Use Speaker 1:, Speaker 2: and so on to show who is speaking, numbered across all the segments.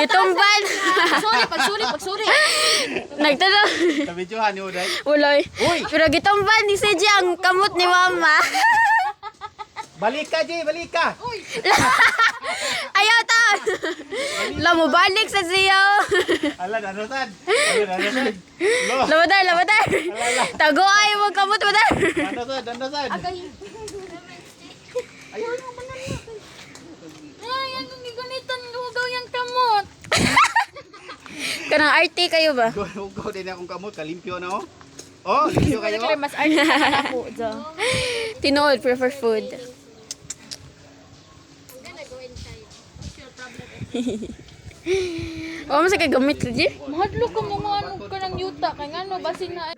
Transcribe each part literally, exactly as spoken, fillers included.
Speaker 1: Gitumban.
Speaker 2: Sorry, pagsuri, pagsuri.
Speaker 1: Nagtanong.
Speaker 3: Kabidyohan ni Uday.
Speaker 1: Uloy.
Speaker 3: Uy!
Speaker 1: Pero gitumban ni si G ang kamot ni mama.
Speaker 3: Balik ka, Jay! Balik ka!
Speaker 1: Ayaw ta. La mo balik sa siyo.
Speaker 3: Alan, ano sad? Alan, ano sad? Lo!
Speaker 1: Lamadar, lamadar. Tago ay mo kamot mo dar.
Speaker 3: Ano sad? Ano sad?
Speaker 2: Ayun mo ba na Ay, anong giganitan lugaw yung kamot?
Speaker 1: Kanang arte kayo ba?
Speaker 3: Go din akong kamot. Kalimpyo na oh. Oh, limpyo kayo.
Speaker 2: Kaya mas arte na ako.
Speaker 1: Tinood, prefer food. Oo, mas kay gamit ka, G.
Speaker 2: Mahadlo ka mo nga ano ka ng yuta. Kaya nga no, basin na.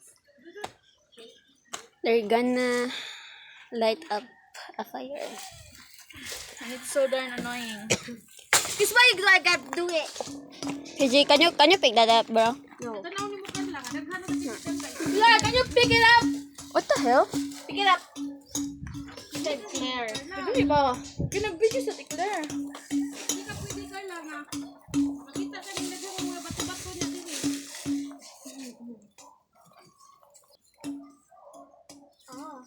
Speaker 1: They're gonna light up a fire.
Speaker 2: And it's so darn annoying.
Speaker 1: This why you gotta do it. Hey, G, can you, can you pick that up, bro?
Speaker 2: No. Claire, can you pick it up?
Speaker 1: What the hell?
Speaker 2: Pick it up. Said Claire. Pwede ba? Kinag-video sa ti Claire. Hindi ka pwede ka lang ha. Makita ka nila yung mga bato-bato niya din eh. Ah.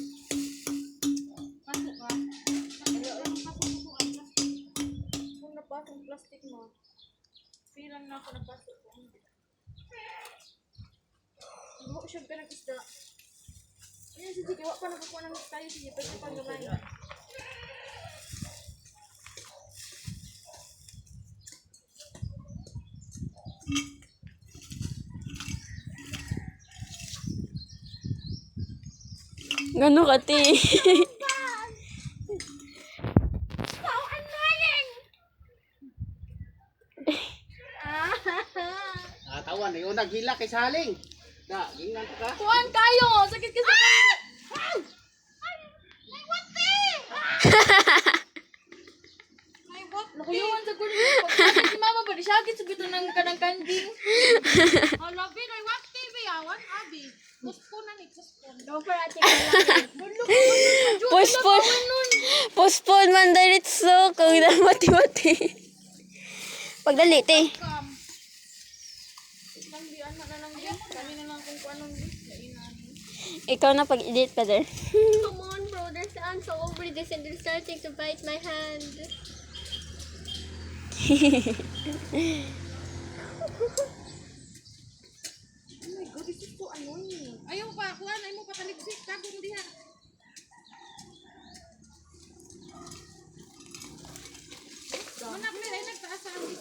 Speaker 2: Pasok ka? Kung napasok ang plastic mo, pilang na ako napasok ko. Buhok siya ka ng isda. Ayan, sige, gawa pa nagkukuha ng tayo. Sige, pwede pang gamay.
Speaker 1: Gano ka, ti?
Speaker 2: How annoying!
Speaker 3: Ah, tawan. Yung naghila kay Saling. Da, gingan ka.
Speaker 2: Kuhaan kayo! Sakit ka sa kanila! May wati! May what? Nakuyuhan sa kulo. Pagkakit si mama ba? Di siya agad sa bito ng kanang kanding. Oh, labi. May wati ba yawan? Abi. Puspon na ni. Puspon. Don't for ate ka lang.
Speaker 1: Postpone. Postpone man diretso. Kung na mati-mati. Pagdali, ti.
Speaker 2: Langbian na lang din. Kami na lang kung anong din.
Speaker 1: Ikaw na pag-edit pa there.
Speaker 4: Come on, bro. There's I'm so over this and they're starting to bite my hand.
Speaker 2: Oh my God, this is so annoying. Ayaw pa, kuhaan. Ayaw mo pataligsik. Tago mo diha. Manak nila, ay nagtaas sa amin.